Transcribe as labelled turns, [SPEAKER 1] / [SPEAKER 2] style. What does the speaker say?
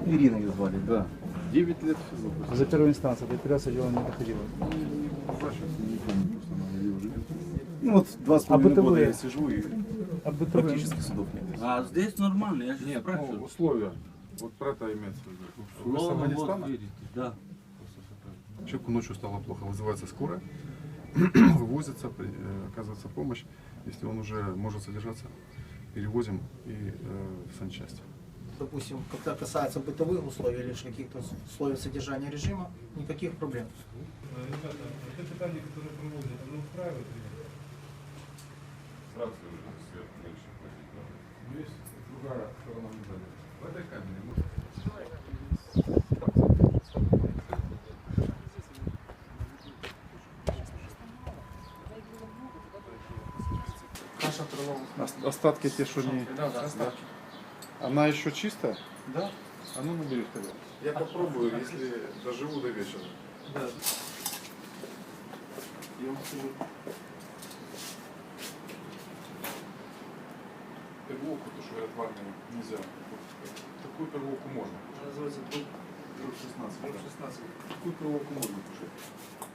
[SPEAKER 1] Ирина ее звали.
[SPEAKER 2] Да. 9 лет в СИЗО.
[SPEAKER 1] За первую инстанцию, до апелляции дело не доходило.
[SPEAKER 2] Не помню, просто она где уже.
[SPEAKER 1] Ну вот 2,5 года
[SPEAKER 3] бытовые?
[SPEAKER 1] я сижу и
[SPEAKER 3] А бытовые?
[SPEAKER 1] практически судов нет.
[SPEAKER 4] А здесь нормально, я же
[SPEAKER 2] Нет,
[SPEAKER 4] спрашиваю.
[SPEAKER 2] ну, условия. Вот про это имеется в виду. Вы с
[SPEAKER 4] Слово вот
[SPEAKER 2] Афганистана?
[SPEAKER 4] видите, да.
[SPEAKER 2] Человеку ночью стало плохо, вызывается скорая, вывозится, оказывается помощь. Если он уже может содержаться, перевозим и в санчасть.
[SPEAKER 5] Допустим, когда касается бытовых условий или каких-то условий содержания режима, никаких проблем.
[SPEAKER 6] Ребята, это питание, которое проводят, оно устраивает?
[SPEAKER 2] Сразу свет меньше платить надо. Но есть другая сторона медали. В этой камере можно.
[SPEAKER 5] Наша крылова.
[SPEAKER 2] Остатки те, что не...
[SPEAKER 5] Да, остатки.
[SPEAKER 2] Она еще чистая?
[SPEAKER 5] Да?
[SPEAKER 2] А ну набери тогда. Я попробую, если доживу до вечера.
[SPEAKER 5] Да.
[SPEAKER 2] Я вам скажу. Перловку, то, что говорят в армии, нельзя. Такую перловку можно.
[SPEAKER 5] Называется друг
[SPEAKER 2] Друг 16.
[SPEAKER 5] Друг 16.
[SPEAKER 2] Такую перловку можно кушать.